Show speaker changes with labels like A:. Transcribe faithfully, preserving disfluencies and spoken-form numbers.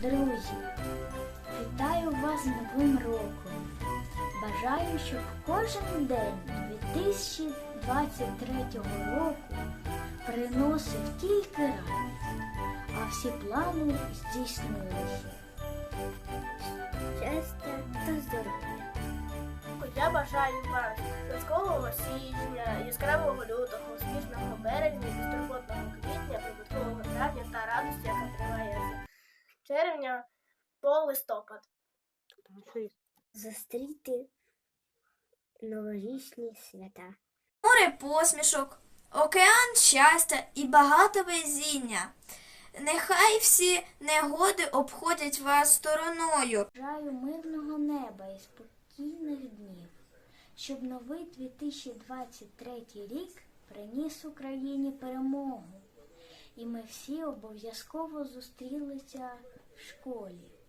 A: Друзі, вітаю вас з Новим роком. Бажаю, щоб кожен день дві тисячі двадцять третього року приносив тільки радість, а всі плани здійснилися. Щастя та здоров'я.
B: Я бажаю вам казкового січня, яскравого лютого, успішного березня, безтурботного квітня, прибуткового травня та радості, яка триває з червня по листопад.
C: Зустріти новорічні свята.
D: Море посмішок, океан щастя і багато везіння. Нехай всі негоди обходять вас стороною.
A: Бажаю мирного неба і спокійних днів, щоб новий дві тисячі двадцять третій рік приніс Україні перемогу, і ми всі обов'язково зустрілися в школі.